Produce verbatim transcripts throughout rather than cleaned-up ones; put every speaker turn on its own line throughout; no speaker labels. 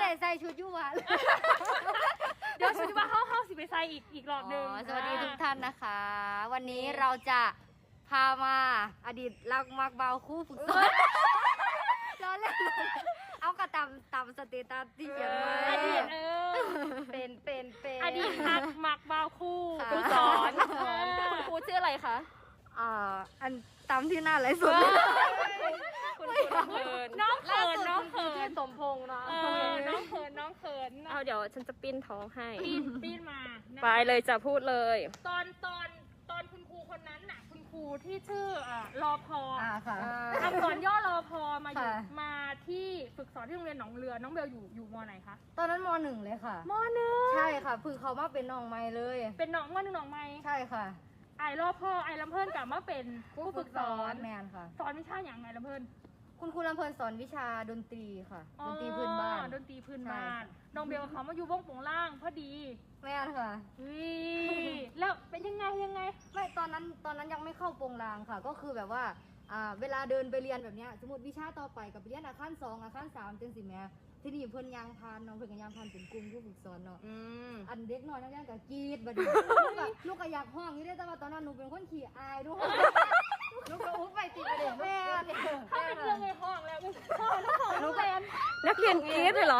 ได้ใส่ชุดยูวะ
เดี๋ยวชุดยูวะเข้าเข้าสิไปใส่อีกอีกรอบหนึ่ง
สวัสดีทุกท่านนะคะ วันนี้เราจะพามาอดีตรักมักเบาคู่ฝึกสอนล้อเล่นเอากระตำตำสเตตัสที่เขียนไว้
อดีตเออ
เป็นเป็นเป็น
อดีตรักมักเบาคู่ฝึกสอนคุณครูชื่ออะไรคะ
อ่าอันตามที่หน้าไรสุด
คุณคุณเขินน้องเขินน้องเขิน
สมพงษ์เนาะ
น้องเขินน้องเขิน
เอาเดี๋ยวฉันจะปิ้นท้องให้
ปิ้นปิ้นมา
ไปเลยจะพูดเลย
ตอนตอนตอนคุณครูคนนั้นน่ะคุณครูที่ชื่ออ่ารอพอ
อ่าค่ะ
อักษรย่อรอพอมาอยู่มาที่ฝึกสอนที่โรงเรียนหนองเรือน้องเบลอยู่อยู่ม.ไหนคะ
ตอนนั้นม.หนึ่งเลยค่ะ
ม.หนึ่ง
ใช่ค่ะพึ่งเขามาเป็นน้องไม้เลย
เป็นน้องม.หนึ่งน้องไม้
ใช่ค่ะ
ไอรอพ่อไอลำเพิ่นกลับมาเป็นผู้ฝึกสอน
แมนค่ะ
สอนวิชาอย่างไงลำเพิ่น
คุณครูลำเพิ่นสอนวิชาดนตรีค่ะดนตรีพื้นบ้าน
ดนตรีพื้นบ้านน้องเบลเขามาอยู่วงโป่งล่างพอดี
แมนค่ะ
วิแล้วเป็นยังไงยังไง
ไม่ตอนนั้นตอนนั้นยังไม่เข้าโป่งลางค่ะก็คือแบบว่าอ่าเวลาเดินไปเรียนแบบเนี้ยสมมติวิชาต่อไปกับเรียนอาคารสองอาคารสามจังสิแม่ที่นี่เพิ่นยางพานน้องเพิ่นกับยางพานเป็นกลุ่มผู้ฝึกสอนเนาะอันเด็กน้อยนั่งย่างกับกรีดบัดนี้ลูกก็อยากห้องนี่ได้แต่ว่าตอนนั้นหนูเป็นคนขี้อายด้วยลูกก็อุ้มไปติดประเด็นแม่
ถ้าเป็นเรื่องในห้องแล้วก็ห้องแล้วของลูกเรียน
นักเรียนกรีดเลยเหรอ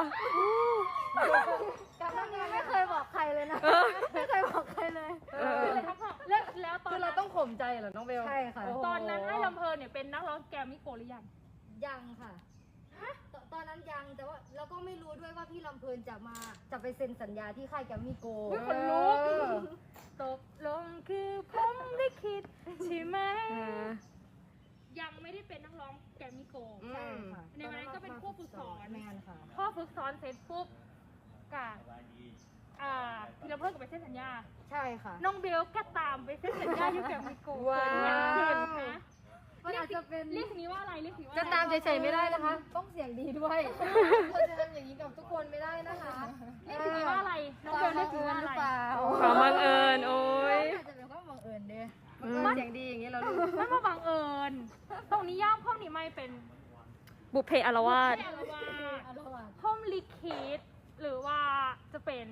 การทำงานไม่เคยบอกใครเลยนะไม่เคยบอกใครเลย
เลยทั้งห้องแล้วแล้วตอน
คือเราต้องข่มใจเหรอน้องเบล
ใช่ค่ะ
ตอนนั้นไอ้ลำเพลินเนี่ยเป็นนักร้องแกรมมี่โกลหรือยัง
ยังค่ะตอนนั้นยังแต่ว่าเราก็ไม่รู้ด้วยว่าพี่ลำเพลินจะมาจะไปเซ็นสัญญาที่ค่ายแกรมมี่โกล
คนลุกตกลงคือผมได้คิดใช่ไหมยังไม่ได้เป็นนักร้องแกรมมี่โกล
ใช่ค่ะ
ในวันนั้นก็เป็นผู้ฝึกสอน
แมนค่ะ
พ่อฝึกสอนเสร็จปุ๊บกับอ่าพี่ลำเพลินก็ไปเซ็นสัญญา
ใช่ค่ะ
น้องเบลก็ตามไปเซ็นสัญญาอยู่แกรมมี่โกลว้าว
มันอาจจะเป็น
เรียกนี้ว่าอะไรเรียกนี้ว่า
จะตามเฉยๆไม่ได้นะคะ
ต้องเสียงดีด้วยเราจะทำอย่างนี้กับทุกคนไม่ได้นะคะ
เรียกนี้ว่าอะไรน้องเบลเรียกนี้ว่าอะไร
ความบังเอิญโอ้ย
อาจจะเป็นความบังเอิญเด้
เสียงดีอย่างนี้เราลูก
มันมาบังเอิญตรงนี้ย่ามห้องนี้ไม่เป็น
บุพเพอารวาส
ห้องลิคิดหรือว่าจะเป็น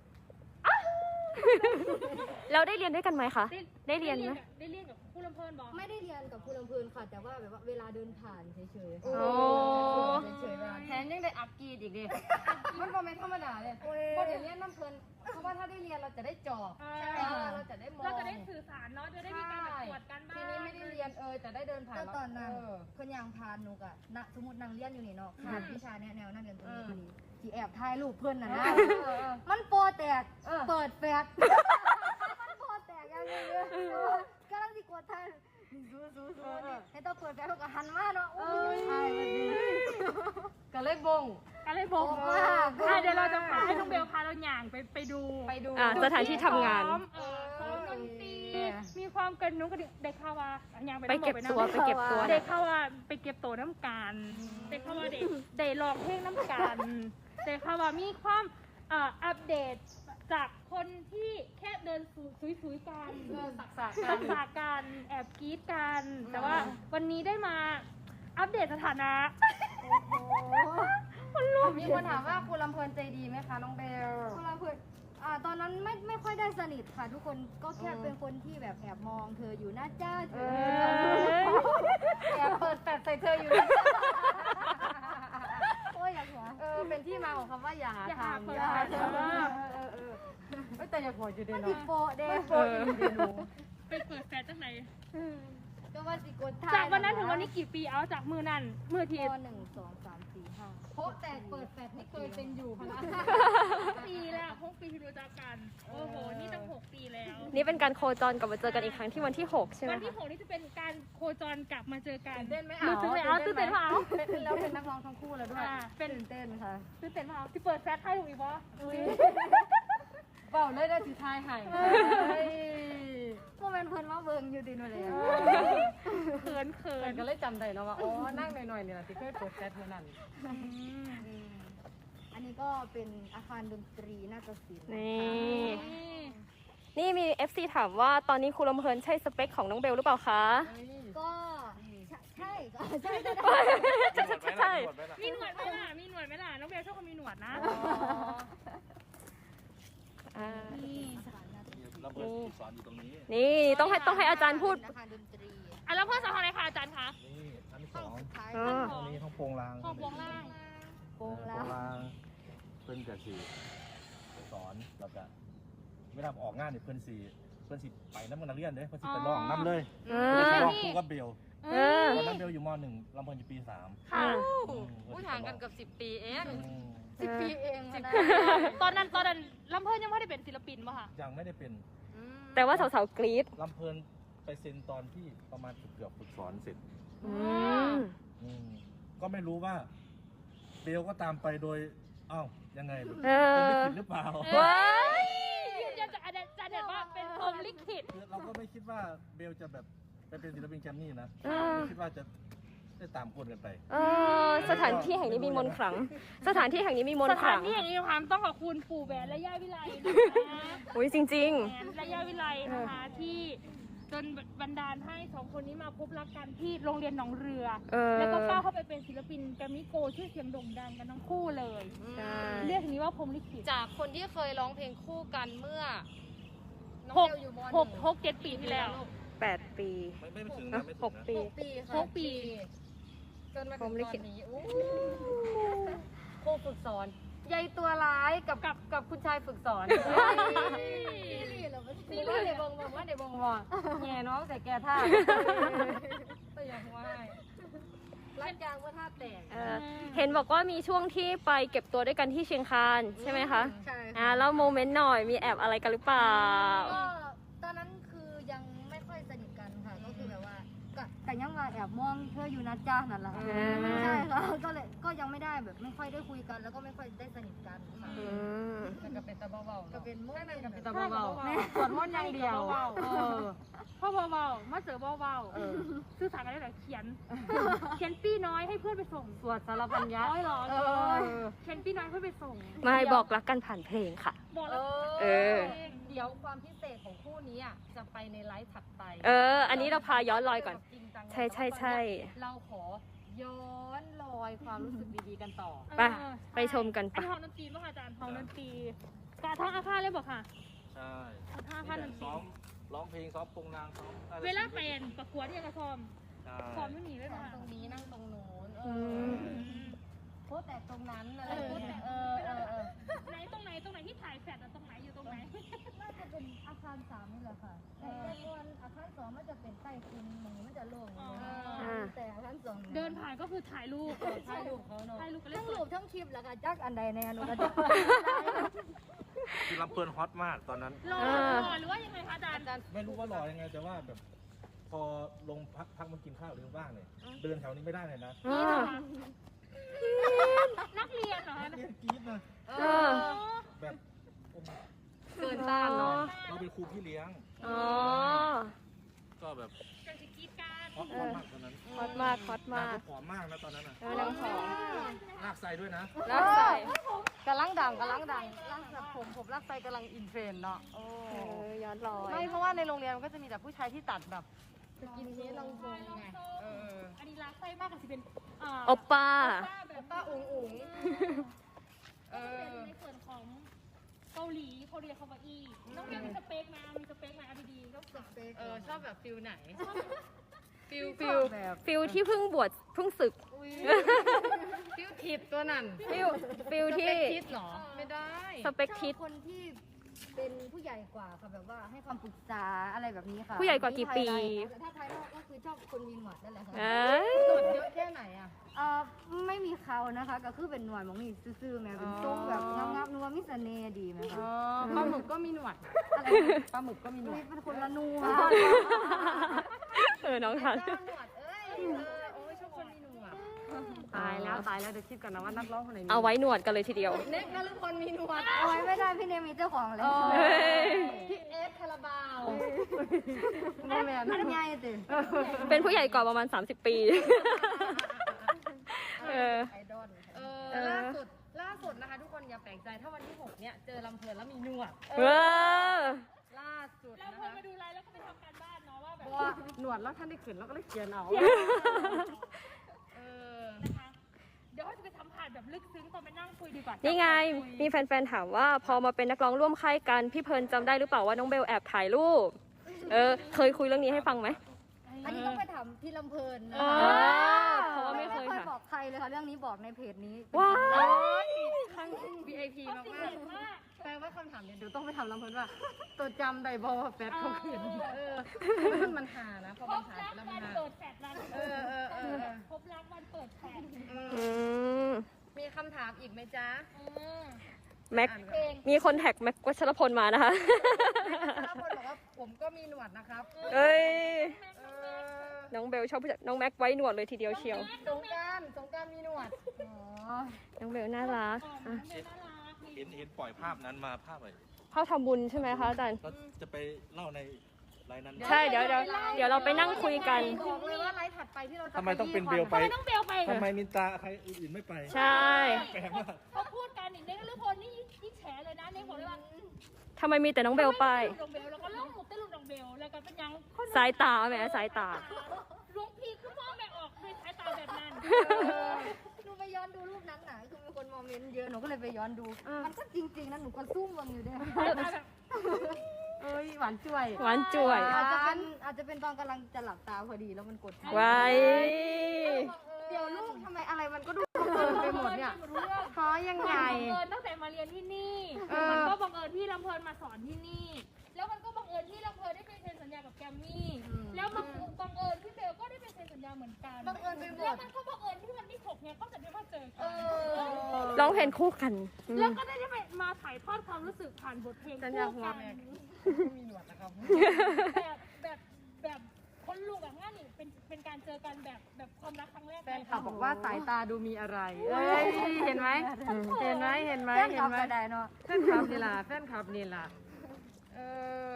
เราได้เรียนด้วยกันไหมคะได้เรียนไหม
ได้เรียนกับผู้ลำเพลินบอก
ไม่ได้เรียนกับผู้ลำเพลินค่ะแต่ว่าแบบว่าเวลาเดินผ่านเฉยๆ
โอ้
เฉยๆ
แทนยังได้อัพกีดอีกดิ
มันก็ไม่ธรรมดาเลยพอเดี๋ยวเรียนน้ำเพลินเพราะว่าถ้าได้เรียนเราจะได้จอบเราจะได้มอง
เราจะได้สื่อสารเนาะจะได้มีการตรวจกันบ้าง
ทีนี้ไม่ได้เรียนเออแต่ได้เดินผ่าน
ตอนนั้นเพิ่นยังพานนุกอะณสมมตินางเรียนอยู่นี่เนาะขาดวิชาแนวนั่งเรียนตรงนี้พอดีที่แอบถ่ายรูปเพื่อนน่ะนะมันโปรแตกเปิดแฟลชมันโปรแตกยังไงเลยกำลังสิกดถ่ายซูซูซูให้ต้องเปิดแฟลชก็หันมาเนาะใช่แบบนี้
ก็เลยบง
ก็เลยบงว่าเดี๋ยวเราจะพาให้น้องเบลพาเราหย่างไปไปดู
ไปดูสถานที่ทำงาน
ซ้อมดนตรีมีความกระนุ้งกระดิกเด็กข่าวว่าอย่าง
ไปเก็บตัวไปเก็บตัว
เด็กข่าวว่าไปเก็บตัวน้ำกันเด็กข่าวว่าเด็กเด็กร้องเพลงน้ำกันเด็กข่าวว่ามีความอัปเดตจากคนที่แค่เดินซุยๆกัน
สักษา
สักษากันแอบกรี๊ดกันแต่ว่าวันนี้ได้มาอัปเดตสถานะ
คนลุกมีคนถามว่าครูลำเพลินใจดีไหมคะน้องเบลครูลำเพลินอ่าตอนนั้นไม่ไม่ค่อยได้สนิทค่ะทุกคนก็แค่เป็นคนที่แบบแอบมองเธออยู่นะจ้าเธอแอบเปิดแฟลชใส่เธออยู่นะโอ้ยอยากหัว
เออเป็นที่มาของคำว่าอย่าหาทำ
อย่าหาเธอ
เออเออไม่แต่อย่าหัวอยู่เดน
เนาะโปเดน
โปอยู่เดนนู
ไปเปิดแฟลชตั้งไหน
ก็ว่าสิกดท
ายจากวันนั้นถึงวันนี้กี่ปีเอาจากมือนั่นมือที
หนึ่งสองสามสี่ห้าโพแต่เปิดแฟลชไม่เคยเป็นอยู่พนัก
ปีแล้วหกปีที่รู้จักกันโอ้โหนี่ตั้งหกปีแล้ว
นี่เป็นการโคจรกลับมาเจอกันอีกครั้งที่วันที่หกใช่ไหม
วันที่หกนี่จะเป็นการโคจรกลับมาเจอกัน
ตื่นเต้นไหม
เอาตื่นเต้นเอาตื่นเต้นเปล่า
เป็นแล้วเป็นนักร้องทั้งคู่แล้วด้วย
เป็น
ตื่นเต้นค่ะ
ตื่นเต้นเปล่าที่เปิดแฟลชให้ถูกอีกปะ
เปล่าเลยได้ถือทายให้
พวกมันเพิ่นว่าเบิ่งอยู่ดีนู่นเลย
เขินเขิน
ก็เลยจำได้เนาะว่าอ๋อนั่งหน่อยๆเนี่ยที่เคยเปิดแฟลชเมื่อนั้น
อันนี้ก็เป็นอาคารดนตรีนาฏศิลป์
นี่นี่มี เอฟ ซี ถามว่าตอนนี้ครูลำเพลินใช่สเปคของน้องเบลหรือเปล่าคะ
ก็ใช่ใช่ใช่
ใช่
มีหนวดไหมล่ะมีหนหนวดไหมล่ะน้องเบลชอบคนมีหนวดนะ
อ่า
นี่
เราเปิดฝึกสอนอยู่ตรงนี้
นี่ต้องให้ต้องให้อาจารย์พูด
นะคะดนตรี
อ่ะแล้วเพื่อนสอนอะไรคะอาจารย์คะ
นี่อันที่ส
ห้อ
อง ง
สุดท้าย
อ๋อ
ตรงนี้ห้องโปรงลาง
ห้องโปรงล่าง
โปรงแล้
โป
ว
รงลางเพิ่นกับสีสอนแล้วก็เวลาออกงานเนี่ยเพิ่นสีเพิ่นสิไปน้ำมันนักเรียนเด้เพิ่นสิไปร้องน้ำเลย
เอ
เพิ่น
อ
สิร้องคู่กับเบล
เออ
ตอนนั้นเบลอยู่มหนึ่งลำเพิ่นอยู่ปีสาม
ค่ะ
อืม
ผู้ห่างกันเกับสิบปีเอง
อืม
สิบปีเองนะ
ตอนนั้นตอนนั้นลำเพิ่นยังไม่ได้เป็นศิลปินป่ะคะ
ยังไม่ได้เป็น
แต่ว่าสาวๆกรี๊ด
ลำเพิ่นไปเซ็นตอนที่ประมาณเกือบฝึกสอนเสร็จ
อืม
อืมก็ไม่รู้ว่าเบลก็ตามไปโดยอ้าวยังไง
เอ
เป็น
อ
ลิขิตหรือเปล่า
ว้าย
ยืนยันจากอาจารย์อาจารย์เด็ดว่าเป็นพรหมลิขิต
คือเราก็ไม่คิดว่าเบลจะแบบไปเป็นศิลปินแกรมมี่นะ
เออ
ไม่คิดว่าจะได้ตามคนกันไป
เออสถานที่แห่งนี้มีมนต์ขลัง สถานที่แห่งนี้มีมน
ส
ต์ข
ถา
ลั
น
ง
ที่อย่างนี้ความต้องขอบคุณปู่แหวนและย่าวิไลนะคะ
อุ้ยจริง
แหวนและย่าวิไลนะคะที่จนบันดาลให้สองคนนี้มาพบรักกันที่โรงเรียนหนองเรือ
ๆ เออ
แล้วก็ก้าวเข้าไปเป็นศิลปินแกรมมี่โกลด์ชื่อเสียงโด่งดังกันทั้งคู่เลย
ใช่
เรียกอย่างนี้ว่าพรหมลิขิต
จากคนที่เคยร้องเพลงคู่กันเมื่อ น้อง
หก
เบลอยู่ม
หกหกเจ็ดปีที่แล้ว
แปดปี
ไม่ไม่ถึงนะไม่ถึงนะ
หกปี
หกปีค่ะ
หกปี
จนมา
พร
ถึ
ห
ง
มลิ
ตอ
ขิต
นนี้อู้ครูฝึกสอน
ยายตัวร้ายกับ
กับ
กับคุณชายฝึกสอน
นี่เหรอมัน
นี่ว่าเดี๋ยวบงบอกว่าเดี๋ยวบงบอกแง่น้องแต่แกท่าแต่ยังว่ารักยางว่าท่าแตก
เออเห็นบอกว่ามีช่วงที่ไปเก็บตัวด้วยกันที่เชียงคานใช่ไหมคะ
ใช่
อ่า
ค่ะ
แล้วโมเมนต์หน่อยมีแอบอะไรกันหรือเปล่า
ก็ตอนนั้นคือยังไม่ค่อยสนิทกันค่ะ ก็คือแบบว่าก็แต่ยังมาแอบมองเธออยู่นะจ้านั่นแหละ
อ่า
ใช่ค่ะก็เลยก็ยังไม่ได้แบบไม่ค่อยได้คุยกัน แล้วก็ไม่ค่อยได้สนิทกันค่ะ
อืม
มันก็เป็นตะเบาๆ
ก็
เนาะ
เป็นโมเมนต์
เป็นตะเบาๆสวดมนต์อย่างเดียว
เออพ่อเบาๆมาเจอเบาๆสื่อสารกันได้แต่เขียน เขียนปี้น้อยให้เพื่อนไปส่ง
สวดสารพันยะ
ร้อยหรอ
เออ
เขียนปี้น้อยเพื่อนไปส่ง
ไม่บอกรักกันผ่านเพลงค่ะ
บอก
เอ
แล้ว
เออ
เดี๋ยวความพิเศษของคู่นี้อ่ะจะไปในไลฟ์ถัดไป
เออ อันนี้เราพาย้อนรอยก่อน
จริงจัง
ใช่ใช่ใช่
เราขอย้อนรอยความรู้สึกดีๆกันต่อ
ไปไปชมกัน
อัน
ปะ
นี้ห้องดนตรีป่ะคะอาจารย์ห้องดนตรีกาท้องอาคารเลยบอกค่ะ
ใช่
ท้องอาคารดนตรี
ซ้อมร้องเพลงซ้อมโปรงลางซ้อมอะไร
เวลาเป็นประกวดเนี่ยกระซอม
ใช่
ซ้อมไม่หนีเลย
นั่ง
ค่ะ
ตรงนี้นั่งตรงนู้นเอ
อื
อ
ม
โพสแต่ตรงนั้นอะไรโพสแต่เออเออเออ
ไหนตรงไหนตรงไหนที่ถ่ายแฟลชอะตรงไหนอยู่ตรงไหน
น่าจะเป็นอาคารสามนี่แหละค่ะแต่ส่วนอาคารสองมันจะเป็นใต้คุณหมูมันจะโล่งอยู่นะ
อ่า
แต่อาคารสอง
เดินผ่านก็คือถ่ายรูป
ถ่ายรูปเขาเนาะ
ถ่ายรูปกันเล่
ทั้
น
ง
ส
รู
ด
ปทั้งคลิปแล้วก็จักอันใดในอนุกระจก
คือลำเพลินฮอตมากตอนนั้น
รอ
อ่า
รอหรือว่ายังไงคะอาจารย์
อาจารย์
ไม่รู้ว่าหล่อยังไงแต่ว่าแบบ พอลงพักพักมันกินข้าวหรือว่างเนี่ยเดินแถวนี้ไม่ได้เลยนะ
อ่า
นักเรียนเหรอคะ
เรียนกรี๊ดนะ
เอ
เอ
อ
อ
แบบโอ้โห
เกินต้านเนาะ
เราเป็นครูพี่เลี้ยง
อ๋อ
ก็แบบ
จะสิกรีดการ
ฮอตฮอตมากตอนนั้น
ฮอตมากฮอต
นาง
มาก
ก็ผอมมากนะตอนนั้นน่ะ
เออนางผอม
ลากใส่ด้วยนะ
รักใส่
กำลังดังกำลังดังรักแบบผมผมรักไฟกำลังอินเทรนด์เนาะโอ้
เออย้อนรอย
ไม่เพราะว่าในโรงเรียนมันก็จะมีแต่ผู้ชายที่ตัดแบบสกินเฮดลองทรงไงเออ
อันนี้รักไส้มากกับสิเป็นอ่า
โอปป้า
ป้าแบบ
ป้าอุ๋งอุ๋งเอ
ก็จะเป็น
อ
ในส่วนของเกาหลีเขาเรียกคำว่าอีน้องเรียนมีสเปคมามีสเปคมาเอาดีๆก็สเปค
เออชอบแบบฟิลไหนฟิล
ฟิล
แบบ
ฟิลที่เพิ่งบวชเพิ่งศึก
ฟิลทิปตัวนั่น
ฟิลฟิลที่
ทิปหรอไม่ได้
สเปคทิศ
ชอบคนที่เป็นผู้ใหญ่กว่าค่ะแบบว่าให้คำปรึกษาอะไรแบบนี้ค่ะ
ผู้ใหญ่กว่ากี่ปี
แต่ถ้าภายนอกก็คือชอบคนมีหนวดนั่นแหละค่ะ
เอ้ย
หนวดเยอะแค่ไหนอ่ะ
เอ่อไม่มีเขานะคะ ก็คือเป็นหนวดหมองนี่ซื่อๆแม่เป็นทรงแบบงามๆนัวมิสเสน่ห์ดีไหมคะ
ปลาหมึกก็มีหนวด
อะไร
ปลาหมึกก็มีหนว
นี่
ด
เป็นคนละนัว
เออ น้องทัน
เจ้าหนวดเอ้ยเออโอ้ยชอบคนมีหนวดตายแล้วตายแล้วเดี๋ยวคิดก่อนนะว่านักร้องคนไหนมี
เอาไว้หนวดกันเลยทีเดียว
เน็กนฤพลมีหนวด
เอาไว้ไม่ได้พี่เนมมีเจ้าของแล้ว
เฮ้ย
พี่เอสคาราบาว
แม่แม่มันใหญ่ติ
เป็นผู้ใหญ่กว่าประมาณ สามสิบ ปี เออ
ไอดอล
เอ
เอ
อ
อ
ล่าสุดล่าสุดนะคะทุกคนอย่าแปลกใจถ้าวันที่หกเนี่ยเจอลำเพลินแล้วมีหนวด
เออ
ล่าสุด
เรา
นะ
ควร
คะ
มาดูไลน์แล้วก็ไปทำการบ้านเนาะว่าแบ
เพ
บ
ราะว่าหนวดแล้วท่านได้เขียนแล้วก็เลยเขียนเอา เออ
นะคะเดี๋ยวเราจะไปสัมผัสแบบลึกซึ้งตอนไปนั่งคุยดีกว่า
นี่ไง
คุย
มีแฟนๆ ถามว่าพอมาเป็นนักร้องร่วมค่ายกัน พี่เพลิร์นจำได้หรือเปล่าว่าน้องเบลแอบถ่ายรูป เออ เคยคุยเรื่องนี้ให้ฟังไหม
อันนี้ต้องไปถามพี่ลำเพลินนะ
อ๋อ
คะ
เพราะว่าไม่เคย
ไม่
ค่ะ
บอกใครเลยค่ะเรื่องนี้บอกในเพจนี้
ว้าย
วี ไอ พี มาก
เห็นว่า
ๆแปลว่าคำถามเนี่ยเดี๋ยวต้องไปถามลำเพลินว่าตัวจำได้บอว่าแฟตเขาขืนเออมันหานะพอ
พ
มัน
บ
หา
รัก
แล้ว
วั
มัน
น
หา
เปิดแฟลชร้าน
เออเออเออ
พบรักวันเปิดแฟลช
อืม
มีคำถามอีกไหมจ๊ะ
เออ
แม็ก
อ่านก่อน
เพลง
มีคนแท็กแม็กวัชรพลมานะคะ
ถ้าคนบอกว่าผมก็มีหนวดนะครับ
เอ้ย
เออ
น้องเบลชอบผู้จัดน้องแม็กไว้หนวดเลยทีเดียวเชียว
สงกรารสงกรารมีหนวด
อ๋อ
น้องเบลน่ารัก
อ๋อ
อ่ะ
มันเป็นน่ารัก
เห็นเห็นปล่อยภาพนั้นมาภาพอะไร
เข้าทำบุญใช่ไหมคะอาจารย์
ก็จะไปเล่าในไลน์นั้น
ใช่ เดี๋ยวเดี๋ยวเดี๋ยวเราไปนั่งคุยกัน
บอกเลยว่าไลฟ์ถัดไปที่เราจะ
ทำไมต้องเป็นเบลไป
ทำไมต้องเบลไป
ทำไมมินตาใครอื่นไม่ไป
ใช่
แปลกมาก
เขาพูดกันอีกเด็กนฤพลนี่ยิ่งแฉเลยนะในผมเลยว่า
ทำไมมีแต่น้องเบลไป
ลงเบลแล้วก็ล่องหมุดเต้นลุงดองเบลแล้วก็เป็นยังคน
สายตาแหมสายตา
หลวงพี่คือพ่อแม่ออกด้วยสายตาแบบนั้น
หนูไปย้อนดูรูปนั้นน่ะคือมีคนมอมเมนต์เยอะหนูก็เลยไปย้อนดู มันก็จริงๆนะหนูก็ซุ่มมันอยู่เนี่ย
เอ้ยหวานจ่วย
หวานจ่วย
อาจจะเป็นอาจจะเป็นตอนกำลังจะหลับตาพอดีแล้วมันกดทัน
ไว้
เดี๋ยวลูกทำไมอะไรมันก็ดูเกินไปหมดเนี่ย
รู้เรื่อง
เพราะยังไง
บังเอิญตั้งแต่มาเรียนที่นี่
เออ
มันก็บังเอิญที่ลำเพลินมาสอนที่นี่ แล้วมันก็บังเอิญที่ลำเพลินได้ไปเซ็นสัญญากับแกรมมี่ แล้วมันบังเอิญที่เบลก็ได้ไปเซ็นสัญญาเหมือนกัน
บังเอิญไปหม
แล้ว
ด
มันก็บังเอิญที่วันที่หกเนี่ยก็จะได้มาเจอ
เอ
กัน
อ
ร้องเพลงคู่กันอืม
แล้วก็ได้ไปมาถ่ายทอดความรู้สึกผ่านบทเพลง
สัญญา
คู่
หัว
กัน
แม็กมีหนวดนะครับ
แบบแบบแบบคนลูกแบบงั้นนี่เป็นเป็นการเจอกันแบบแบบความรักครั้งแรก
แฟนคลับบอกว่าสายตาดูมีอะไร เอ้ย เห็นไหม เห็นไหมเห็นไหม
แฟน
เห็
คลั
น
บ
ไหม
ก็ได้เนาะ
แฟนคลับนี่ล่ะแฟนคลับนี่ล่ะ เออ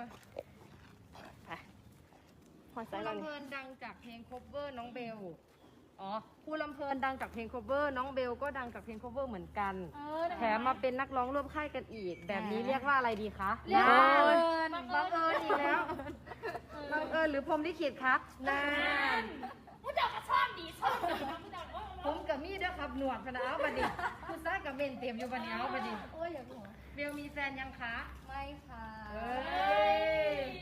หอด
ค
สาย
รู
ก่อน
ลำเพลินดังจากเพลง cover น้องเบล อ๋อครูลำเพลินดังจากเพลง cover น้องเบลก็ดังจากเพลง cover เหมือนกัน
เออ
แถมมาเป็นนักร้องร่วมค่ายกันอีก แบบนี้เรียกว่าอะไรดีคะ
เรียกว่า
บัง
บั
เอิ
ง
ญ
เอิญ
บังเอิญอีกแล้วบังเอิญหรือพรหมลิขิตคะนาน
ผู้จัดก็ชอบดีชอบดีนะผู้จัดว่า
ผมกับมี่ด้วยครับหนวดพนะเอาบัดดิคุณซ้ายกับเบนเต็มอยู่บัดนี้เอาบัดดิ
โอ้ยอย่าหัว
เบลมีแฟนยังคะ
ไม่ค่ะ
เอ้ย